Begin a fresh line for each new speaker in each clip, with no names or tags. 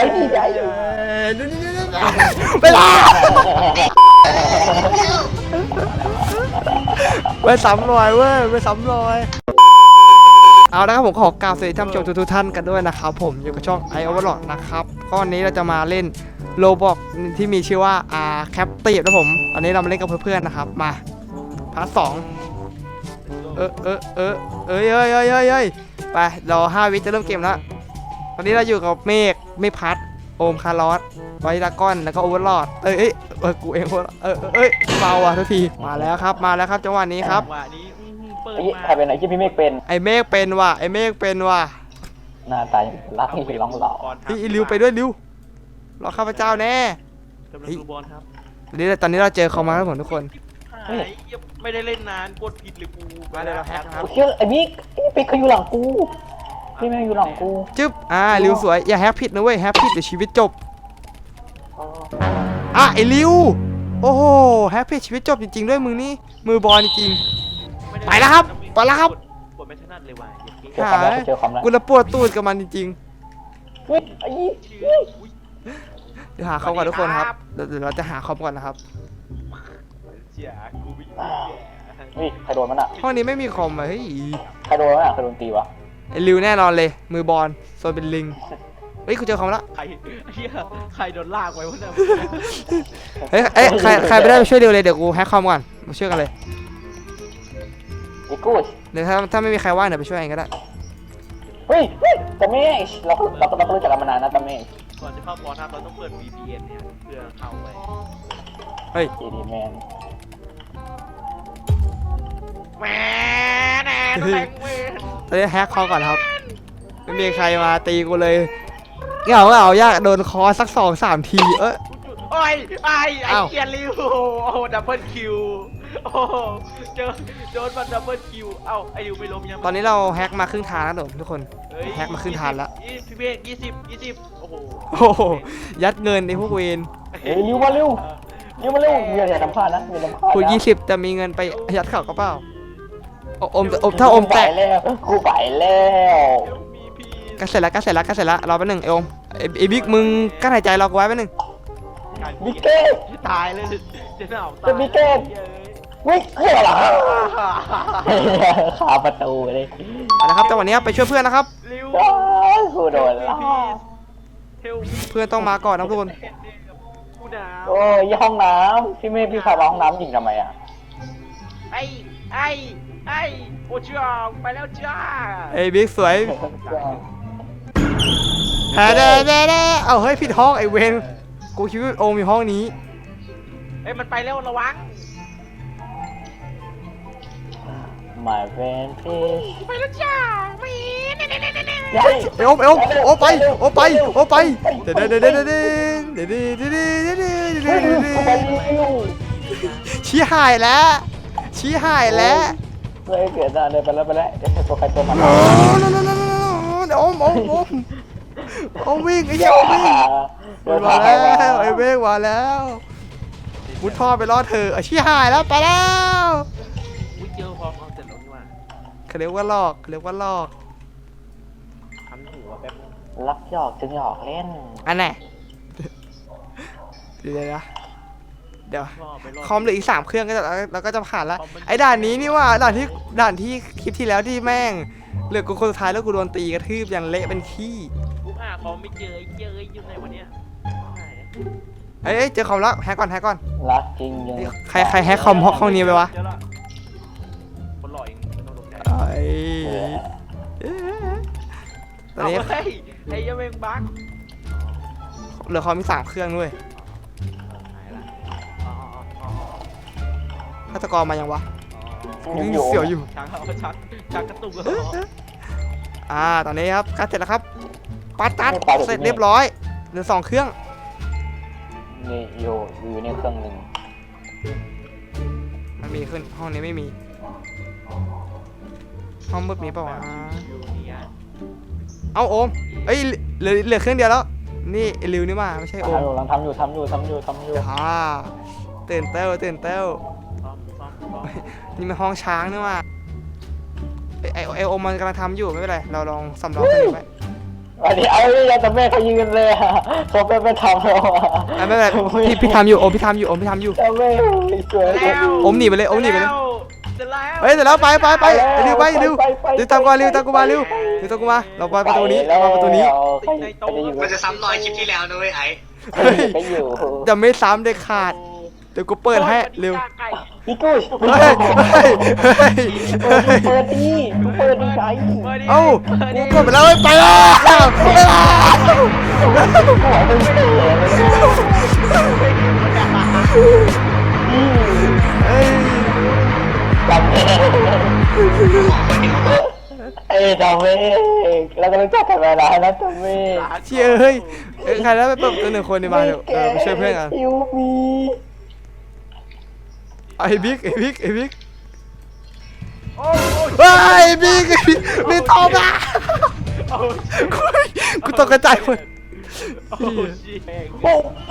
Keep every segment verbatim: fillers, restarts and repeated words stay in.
ดีใจ
ไปละไปสามรอยเว้ยไปสามรอยเอาละครับผมขอกล่าวสวัสดีท่านผู้ชมทุกท่านกันด้วยนะครับผมอยู่กับช่อง i Overlord นะครับก็วันนี้เราจะมาเล่นโลบอกที่มีชื่อว่าอาแคปตีฟนะผมตอนนี้เรามาเล่นกับเพื่อนๆนะครับมาพาร์ทสองเออเออเออเอ้ยเอ้ยเอ้ยเอ้ยเอ้ยไปรอห้าวิจะเริ่มเกมแล้วตอนนี้เราอยู่กับเมฆเมฆพัดโอมคาร์ลอสไวดากอนแล้วก็โอเวอร์ลอดเอ้ยเอ้ยเออกูเองเออเอ้ยเบาอ่ะทุกทีมาแล้วครับมาแล้วครับจังหวะนี้ครับ
ใครเป็นไอ้ที่พี่เมฆเป็น
ไอเมฆเป็นว่ะไอเมฆเป็นว่ะ
หน้าตารักที่ร้องหล่อ
พี่ริวไปด้วยริวรอข้าพเจ้าแน่ตอนนี้ตอนนี้เราเจอเขามาแล้วผมทุกคน
ไม่ได้เล่นนานกดผิดหรือกู
มาเลยเราแฮกครับ
เชื่อไอ้บิ๊กไอ้บิ๊กเขาอยู่หลังกูพี่เมฆอยู่หลังกู
จึ๊บอ่าริวสวยอย่าแฮกผิดนะเว้ยแฮกผิดเดี๋ยวชีวิตจบอ่ะไอริวโอ้โหแฮกผิดชีวิตจบจริงๆด้วยมึงนี่มือบอลจริงไปแล้วครับไปแล้วครับ
กดไม่ถนัดเลยว่ะ
เจอความแล้วเจอความแล้ว
กูละปวดตูดกับมันจริง
เฮ้ยไอ้
ๆเดี๋ยวหาเขาก่อนทุกคนครับเดี๋ยวเราจะหาเขาก่อนนะครับ
เสียกูวิ่ง
นี่ใครโดนมันอ่ะ
ห้องนี้ไม่มีคอมอ่ะเฮ้ย
ใครโดนมันอ่ะใครโดนตีวะ
ไอริวแน่นอนเลยมือบอลโซนเป็นลิงเฮ้ยกูเจอคอมแล้ว
ใครเฮียใครโดนลากไว้วะเนี่ย
เฮ้ยเอ้ยใครใครไปได้ไปช่วยริวเลยเดี๋ยวกูแฮกคอมก่อนมาช่วยกันเลย
ไอ้กู
เดี๋ยวถ้าถ้าไม่มีใครว่างเดี๋ยวไปช่วยเองก็ได้
เฮ้ยเฮ้ยตาเมฆเราเราเรารู้จักกันมานานนะตาเมฆ
ก่อนจะเข้าบอลทับเราต้องเปิด วี พี เอ็น เนี่ยเพื่อเข้าไป
เฮ้ย
ดีดีแมน
แหมแน่แรงเว้ย
ตอนนี้แฮกคอมก่อนครับไม่มีใครมาตีกูเลยเหงาเหงายากโดนคอสักสองสามทีเอ้ย
โอ้ยไอ้ไอ้
อ้าว
เกียร์ลิวโอ้โหดับเบิลคิวโอ้โหเจอโดนมันดับเบิลคิวเอ้าไอ้ลิวไม่ล้มยัง
ตอนนี้เราแฮกมาครึ่งทางแล้วทุกคน
เฮ้ย
แฮกมาครึ่งทางแล้ว
ยี่สิบพี่เมฆยี่สิบยี่สิบโอ้โห
โอ้โหยัดเงินในพวกเวน
เฮ้ยเร็วมาเร็วเร็วมาเร็วมีอะไรทำพลาดนะมีอะไรทำพลาด
คุณยี่สิบจะมีเงินไปยัดเข่าก็เปล่าโออมอมถ้าอมแตก
แล้วกูไปแล้ว
มีพี่
ก็เสร็จแล้วก็เสร็จแล้วก็เสร็จแล้วรอแป๊บนึงไอโอมไอไอบิ๊กมึงกั้นหายใจรอกูไว้แป๊บนึง
บิ๊กเก้
ตายเลยจะหนาวตาย
จะบิ๊กเก้วิ่งเฮ้ยเหรอขาประตูเลย
เอาละครับจังหวะนี้ไปช่วยเพื่อนนะครับ
ลิว
กูโดนแล้ว
เฮล
เพื่อนต้องมาก่อนนะทุกคน
กูหนาว
โอ้ยห้องน้ำพี่เมฆพี่พามาห้องน้ำยิงทำไมอ่ะ
ไอ้ไอ้ไอ้โอจ้าไปแล้วจ้า
ไอบิ๊กสวยแฮเด้เด้เด้เอาเฮ้ยผิดห้องไอเวนกูคิดว่าโอมอยู่ห้องนี้
เอ้ยมันไปแล้วระวัง
My friend please
ไปแล้วจ้ามีเน่เน่เน่เน่
ยัย
ไอโอมไอโอมโอไปโอไปโอไปเด้เด้เด้เด้เด้เด้เด้เด้เด้เด้เด้
เฮ้ย
เด้
กูไปเร็ว
ชี้หายแล้วชี้หายแล้ว
เฮ้ยเกิดอะไรไปแล้วไปแล้วเดี๋ยวตัวใครตัวมัน
โอ้โนโนโนโนโนโอมโอมโอมโอมวิ่งไอ้เหี้ยโอมวิ่งมันมาแล้วไอ้เมฆมาแล้วมุดท่อไปรอดเธออาชี้หายแล้วไปแล้ว
อุ้ยเจอพร้อมเอาเสร็จแล้วนี่ว่า
เขาเรียกว่าหลอกเขาเรียกว่าหลอก
ทำหัวแป๊บนึง
รักหยอกจึงหยอกเล่น
อันไหนเดี๋ยวนะเดี๋ยว
รอไปรอ
คอมเหลืออีกสามเครื่องก็จะเราก็จะผ่านละไอ้ด่านนี้นี่ว่าด่านที่ด่านที่คลิปที่แล้วที่แม่งเหลือกูคนสุดท้ายแล้วกูโดนตีกระทืบอย่างเละเป็นขี้
กูหาเขาไม่เจอไอ้เจอไอ้อยู่ไหนวะเนี่ย
เฮ้ยเจอคอมแล้วแฮกก่อนแฮกก่อน
รักจริงยัง
ใครใครแฮกคอมห้องนี้ไปวะ
เจอละคนหล่อเองไม่ต้องตกใจ
ไอ้ตอนนี้
เาเฮ้ยไอ้ยังเมงบั๊ก
เหลือคอมมีสามเครื่องด้วย
หายละอ๋ออ๋ออ๋อ
ฆาตกรมายังวะ
อ๋อ
ยังเสียวอยู่
ชักเอาชักชักกระตุกเหรอ
อ่าตอนนี้ครับคัดเสร็จแล้วครับปัดตัดเสร็จเรียบร้อยเหลือสองเครื่อง
นี่อยู่อยู่ในเครื่องหนึ่ง
มันมีขึ้นห้องนี้ไม่มีห้องมืดมีเปล่าวะ
อยู่เนี่ย
เอาโอมเอ้ยเหลือเหลือเครื่องเดียวแล้วนี่ไอ้ริวนี่มาไม่ใช่โอม
ทำอยู่ทำอยู่ทำอยู่ทำอยู่ทำอยู่
อ่าตื่นเต้วตื่นเต้ว
ซ่อมซ่อมซ่อม
นี่มันห้องช้างนี่ว่าไอไอไอโอมมันกำลังทำอยู่ไม่เป็นไรเราลองสำรองเครื่องนี้ไว้
อันนี้เอาไม่ยังแต่แม่เขายืนเลยอะเขาไปไปทำเราอะ
อ่ะไม่เป็นไรพี่พี่ทำอยู่โอมพี่ทำอยู่โอมพี่ทำอยู่
แต่แม่สวย
แล้ว
โอมหนีไปเลยโอมหนีไปเลย
เสร็จแล้ว
เฮ้ยเสร็จแล้วไปไปไปเร็วไปเร็วเร็วตามกูมาเร็วตามกูมาเร็วเร็วตามกูมาเราไปประตูนี้เราไปประตูนี้
มันจะซ้ำรอยคลิปที่แล้วนะเว้ยไอ้
เฮ้ย
ไปอยู่
จะไม่ซ้ำเด็ดขาดเดี๋ยวกูเปิดให้เร็ว
พี่กุ้ย
เฮ้ยเฮ้ยเฮ้ยเฮ้ย
เปิดดีเปิดดีใจ
เอ้ากูกดไปแล้วเฮ้ยไปแล้วไปแล้ว
หัวมึงไม่ได้เลย
เฮ้ย
จำเองเอ้ยจำเองแล้วก็รู้จักกันมานานแล้วจำเอง
เชี่ยเฮ้ยเอ้ยใครแล้วไปเปิดตัวหนึ่งคนดีมาเดี๋ยวเออไปช่วยเพื่อนกัน
ยูมี
ไอ้บิ๊กไอ้บิ๊กไอ้บิ๊ก
โอ้ย
เฮ้ยไอ้บิ๊กไอ้บิ๊กมีทองอ่ะกูกูตกกระจายหมด
โอ้ยแม่ง
โอ้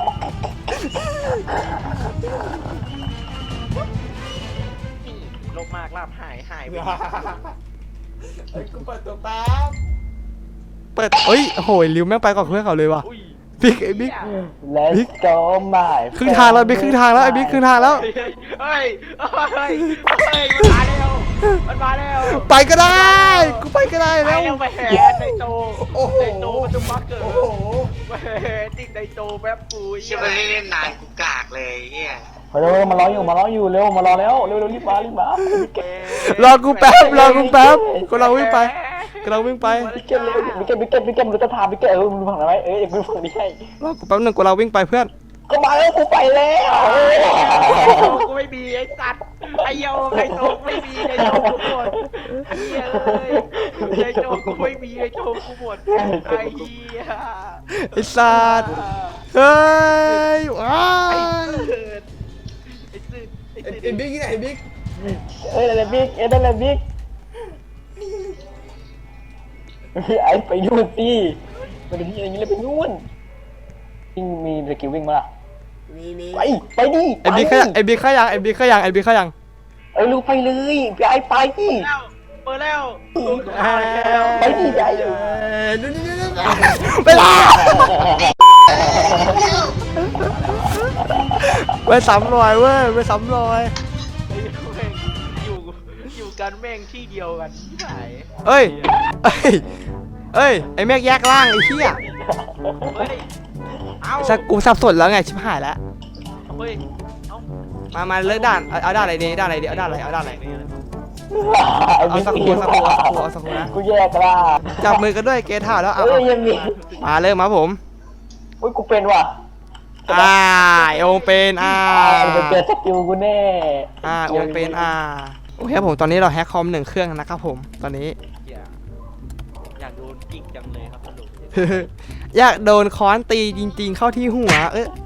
ลบมากลาบหายหายไป
กูเปิดตัวแป๊บเปิดเอ้ยโหยริวแม่งไปก่อนเพื่อนเขาเลยว่ะ
อุ้ย
บิ๊กไอ้บิ๊ก
Let's go my
ครึ่งทางแล้วบิ๊กครึ่งทางแล้วไอ้บิ๊กครึ่งทางแล้ว
เฮ้ยเฮ้ยเฮ้ยเฮ้ยมันมาแล้วมันมาแล้ว
ไปก็ได้กูไปก็ได้
ไป
แล้ว
แล้วไปแหนในโต
โอ้โห
ในโตมันจะมาเกิดไปแหนติ๊กในโตแป๊บปุย
เชื่อมันเล่นนานกูกากเลยเฮีย
เร็วมารออยู่มารออยู่เร็วมารอแล้วเร็วเร็วรีบมารีบมาร
อกูแป๊บรอกูแป๊บกูเราวิ่งไปกูเราวิ่งไป
บิ๊กเกตเร็วบิ๊กเกตบิ๊กเกตบิ๊กเกตรู้จะถามบิ๊กเกตเออมึงฝั่งไหนเอ้ยมึงฝั่งนี้ให้
รอกูแป๊บนึงกูเราวิ่งไปเพื่อน
ก็มาแล้วกูไปแล้ว
กูไม่มีไอ้สัตว์ไอ้เหี้ยไอ้โตไม่มีไอ้โตกูหมดไอ้เหี้ยเลยไอ้โตกูไม่มีไอ้โตกูหมดไอ้เหี้ย
ไอ้สัตว์เฮ้ยว้า
ไอ้
ย
สืดไอ้สืดไอ้สืด
ไอ้บิ๊กไอ้บิ๊ก
เอ้ยอะไรบิ๊กเอ้ยอะไรบิ๊กไอ้ไปนู่นสิมันจะมีอะไรอย่างนี้เลยไปนู่นวิ่งมีสกิลวิ่งมาล่ะ
มีมี
ไปไปดิ
ไอ้บิ๊กขยังไอ้บิ๊กขยังไอ้บิ๊กขยังไอ้บิ๊กขยัง
เอ้ยลูกไปเลยไปไอ้ไปดิ
แล้วเปิดแล้ว
ไปดิไป
ไปละไปสามรอยเว้ยไปสามรอย
ไอ้แม่งอยู่อยู่กันแม่งที่เดียวกันที่ไหน
เอ้ยเอ้ยเอ้ยไอ้แม่งแยกล่างไอ้เหี้ย
เฮ้ยเอา
สักกูสับสนแล้วไงชิบหายแล้ว
เฮ้ยเอา
มามาเลิกด่านเอาเอาด่านอะไรดีด่านอะไรดีเอาด่านอะไรเอาด่านอะไรเอาสักครูสักครูเอาสักครูเอาสักครูนะ
กูแยกล่ะ
จับมือกันด้วยเกท่าแล้วเอา
เอ้
เอา
ยยังมี
มาเริ่มมาผม
อุ้ยกูเป็นว่ะ
อ่าโอมเป็นอ่า
จะเจอสกิลกูแน่
อ่าโอมเป็นอ่าโอเคครับผมตอนนี้เราแฮกคอมหนึ่งเครื่องนะครับผมตอนนี้
อยากอยากโดนกิ๊กจังเลยครับสรุป
อยากโดนค้อนตีจริงๆเข้าที่หัวเอ้ย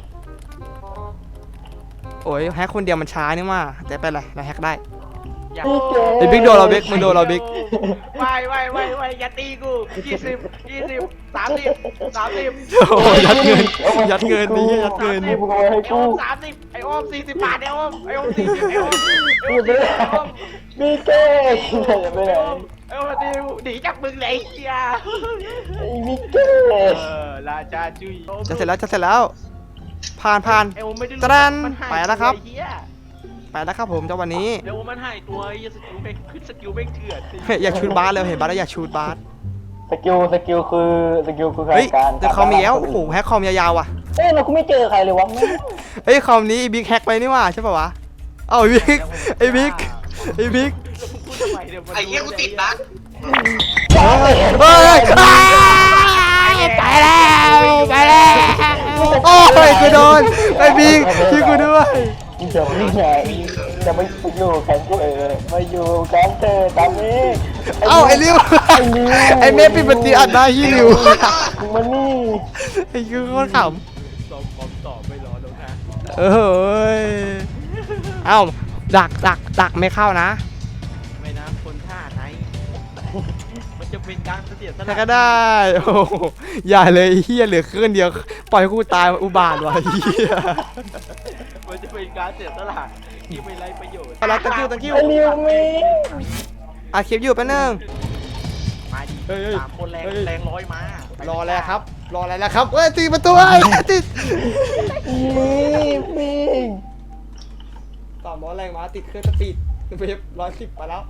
โอ้ยแฮกคนเดียวมันช้านี่ว่าแต่เป็นไรเราแฮกได้
อยาก
ไอ้บิ๊กโดนเราบิ๊กมึงโดนเราบิ๊ก
ไปไปไปไปอย่าตีกูยี่สิบยี่สิบสามสิบสามสิบ
โอ้ยยัดเงินยัดเงินนี่ยัดเงิน
นี่มึงเอาไว้ให้
ไอ้
กู
โอมสามสิบไอ้โอมสี่สิบบาทไอ้โอมไอ้โอมสี่สิบไอ้โอมไอ้โอ
กู
ม
ไม่
สี่
ได้
สิบไอ้โอม
มีเก้จะไปไหน
ไอ้โอมดิวหนีจากมึงเลยไอ้เฮีย
ไอ้มิเก้
เออราชาจุย
จะเสร็จแล้วจะเสร็จแล้วผ่านผ่าน
ไอ้โอมไม่ได้
ตะดัน
มันหาย
ไปแล้วครับ
ไอ้เฮีย
ไปแล้วครับผมเจ้าวันนี้
ไอ้โอมมันหายตัวไอ้เหี้ยสกิลแม่งขึ้นสกิลแม่งเถื่อนสิ
เฮ้ยอยากชูดบาสเลยเห็นบาสแล้วอยากชูดบาส
สกิลสกิลคือสกิลคือ
เฮ้ย
การ
แต่คอมมีแล้วโอ้โหแฮกคอมยาวๆว่ะ
เอ้ยเราก็ไม่เจอใครเลยวะแม่ง
เฮ้ยคอมนี้บิ๊กแฮกไปนี่ว่าใช่ป่าวะเอ้าไอ้บิ๊กไอ้บิ๊กไอ้บิ๊ก
พูดทำไมเนี่ยมัน
ไอ้เหี้ยกูติดบั๊ก
เฮ้ยเฮ้ยไปแล้วไปแล้วโอ้ยกูโดนไอ้บิ๊กช่วยกูด้วย
จะไม่ไหนจะไม่อยู่แข่งเธอมาอยู่แข่งเธอตอนนี้
เอ้าไอ้ริวไอ้เมฆปิดบันทีอัดหน้าฮีริว
มึงมานี่
ไอ้คือโคตรข
สองคอมต่อไม่รอแล้วนะ
ำเอ้ยเอ้าดักดักดักไม่เข้านะ
ไม่นะคนท่าไหนมันจะเป็นการเสียส
ใคร
ละ
ก็ได้โอ้โหอย่าเลยเฮียเหลือเครื่องเดียวปล่อยให้กูตายอุบาทว่ะเฮีย
มันจะเป็นการเสียสละที่ไม่ไรประโยชน์
อะไรตะกิ้วตะกิ้ว
ไอ้ริวมี
อ่ะคลิปอยู่แป๊บนึง
ไปมาดิ
เฮ้ยเฮ้ย
สามคนแรง
เฮ้ย
แรงร้อยมาร
ออะไรครับ รออะไรแล้วครับเอ้ยตีประตูไอ้ติด
นี่ปิง
สามร้อยแรงม้าติดเครื่องสปีดเวฟร้อยสิบไปแล้ว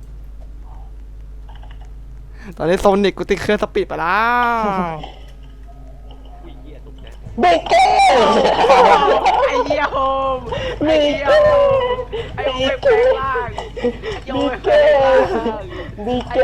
ตอนนี้โซนิกกูติดเครื่องสปีดไปแล้ว
อุ้ยเหี้ยตกใจ
เบเก้
ไอ้เหี้ยโฮมไอ้เหี้ยโฮมไอ้โฮมแปลงร่างไอ้โฮ
บี
มแปล
เก้
งร่าง
บีเก้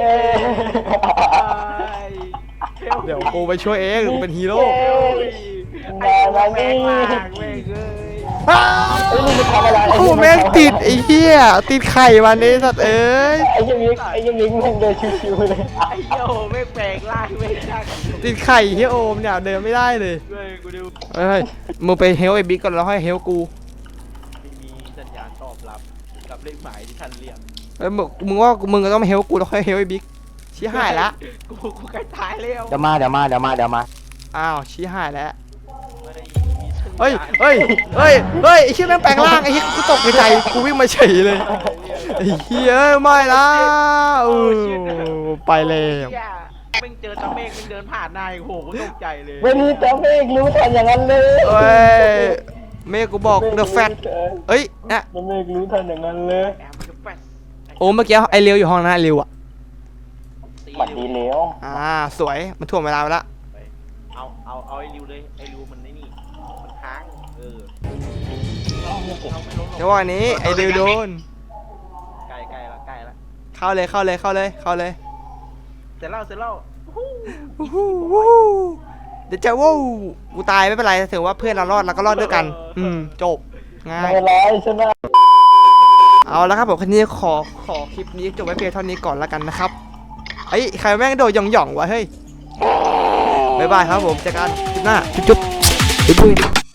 เดี๋ยวกูไปช่วยเองกูเป็นฮีโร่
ไอ้โฮมแปลงร่างเว้ยเอ้ย
อ้าว
ไอ้ยมึงจะทำอะไร
กูแม่งติดไอ้เหี้ยติดไข่วันนี้สัตว์เอ้ย
ไอ้ยังมิกไอ้ยังมิกมึงเดินชิวๆเลย
ไอ้เหี้ยโฮมแปลงร่างเว้ยช่าง
ติดไข่เฮียโอมเนี่ยเดินไม่ได้เลย
เว้ยกูดู
เฮ้ยมึงไปเฮลไอ้บิ๊กก่อนแล้วค่อยเฮลกู
ไม่มีสัญญาณตอบรับกับเลขหมายที่ท่านเรียก
เอ้ยมึงมึงว่ามึงก็ต้องมาเฮลกูแล้วค่อยเฮลไอ้บิ๊กชี้หายละ
กูกูใกล้ตายแล้ว
เดี๋ยวมาเดี๋ยวมาเดี๋ยวมาเดี๋ยวมา
อ้าวชี้หายแล้ว
ไม่ได้มีสัญญาณ
เฮ้ยเฮ้ยเฮ้ยเฮ้ยไอ้เชี่ยแม่งแปลงร่างไอ้เหี้ยกูตกใจกูวิ่งมาเฉยเลยไอ้เหี้ยเอ้ยไม่ละเออไปแล้ว
เหี้ยแม่งเจอตาเมฆแม่งเดินผ่านหน้าโอ้โหกูตกใจเลย
วันนี้จะเมฆรู้ทันอย่างนั้นเลย
เฮ้ยเมฆกูบอกเดอะแฟตเอ้ยนะ
จะเมฆรู้ทันอย่างนั้นเลย
แอมมันจะแฟช
โอ้เมื่อกี้ไอเลียวอยู่ห้องนั้นไอเลียวอ่ะ
ตี
หวัดดี
เร็ว
แล้ว
อ่าสวยมันถ่วงเวลาไปละ
ไปเอาเอาเอาไอ้ริวเลยไอ้ริวมันไอ้นี่มันค้างเออเอาไม่ลงหรอก
เดี๋ยววันนี้ไอเลียวโดน
ใกล้ใกล้ละใกล้ละ
เข้าเลยเข้าเลยเข้าเลยเข้าเลย
เสร็จแล้วเสร็จแล้ว
วู้ฮู้วู้ฮู้เดี๋ยวจะวู้กูตายไม่เป็นไรถือว่าเพื่อนเรารอดเราก็รอดด้วยกัน อืมจบง่าย
ไม่ร้ายใช่ไหม
เอาละครับผมคันนี้ขอขอคลิปนี้จบไว้เพียงเท่านี้ก่อนแล้วกันนะครับไอ้ยใครแม่งโดดหย่องหย่องๆวะเฮ้ยบ๊ายบายครับผมเจอกันคลิปหน้าจุ๊บจุ๊บบ๊ายบาย